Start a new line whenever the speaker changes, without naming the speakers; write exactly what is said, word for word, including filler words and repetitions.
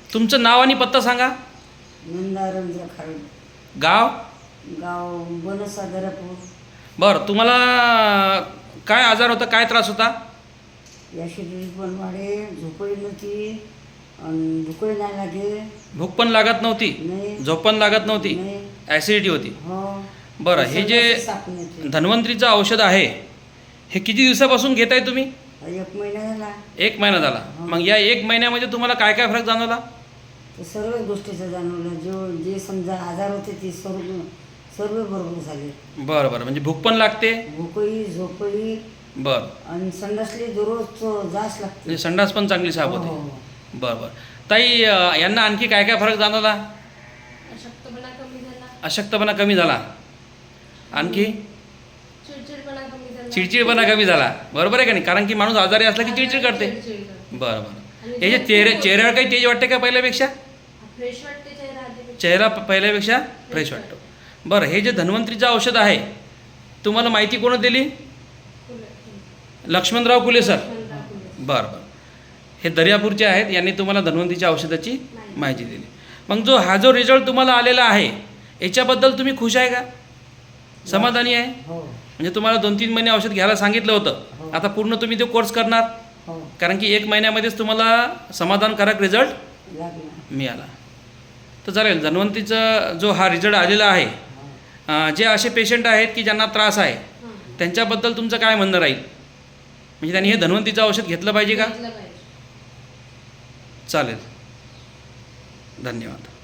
तुमचं नाव आणि पत्ता सांगा.
नंदा रंजन खाडे.
गाव?
गाव बनसा दरापूर.
बरं, तुम्हाला काय आजार होता, काय त्रास होता?
ॲसिडिटी पण वाढे, झोपही नव्हती आणि भूकही नाही लागे.
भूक पण लागत नव्हती,
नाही.
झोप पण लागत नव्हती,
नाही.
ॲसिडिटी होती.
हो.
बरं, हे जे
साप नाही.
धन्वंतरीचं औषध आहे हे किती दिवसापासून घेताय तुम्ही?
एक महिना झाला.
एक महिना झाला. मग या एक महिन्यामध्ये तुम्हाला काय काय फरक जाणवला?
तर सर्वच गोष्टीचं जाणवलं. जो जे समजा आजार होते ते सर्व सर्व बरोबर झाले.
बरं बरं, म्हणजे भूक पण लागते,
भूकही झोपही
बरं,
आणि संडासली दररोज जास लागते.
म्हणजे संडास पण चांगली साफ होते.
हो.
बरं बरं. ताई, अ, यांना आणखी काय काय फरक जाणवला?
अशक्तपणा कमी झाला,
अशक्तपणा कमी झाला, आणखी
चिडचिडपणा कमी झाला.
चिडचिडपणा कमी झाला. बरोबर आहे का नाही? कारण की माणूस आजारी असला की चिडचिड करते.
चिडचिड करते.
बरं बरं. हे जे चेहरे चेहऱ्यावर काही तेज वाटते का पहिल्यापेक्षा?
फ्रेश वाटते चेहरा आधीपेक्षा.
चेहरा प- पहिल्यापेक्षा फ्रेश वाटतो. बरं, हे जे धन्वंतरीचं औषध आहे तुम्हाला माहिती कोण दिली? लक्ष्मणराव कुले सर. बरं बरं. हे दर्यापूरचे आहेत, यांनी तुम्हाला धन्वंतरीच्या औषधाची माहिती दिली. मग जो हा जो रिझल्ट तुम्हाला आलेला आहे याच्याबद्दल तुम्ही खुश आहे का? समाधानी आहे?
हो.
म्हणजे तुम्हाला दोन तीन महिने औषध घ्यायला सांगितलं होतं,
हो.
आता पूर्ण तुम्ही तो कोर्स करणार?
हो.
कारण की एक महिन्यामध्येच तुम्हाला समाधानकारक रिझल्ट
लागला.
मिळाला. तर चालेल, धन्वंतरीचा जो हा रिझल्ट आलेला आहे, अं, जे असे पेशंट आहेत की ज्यांना त्रास आहे त्यांच्याबद्दल तुमचं काय म्हणणं राहील? म्हणजे त्यांनी हे धन्वंतरीचं औषध घेतलं पाहिजे का?
घेतलं पाहिजे.
चालेल, धन्यवाद.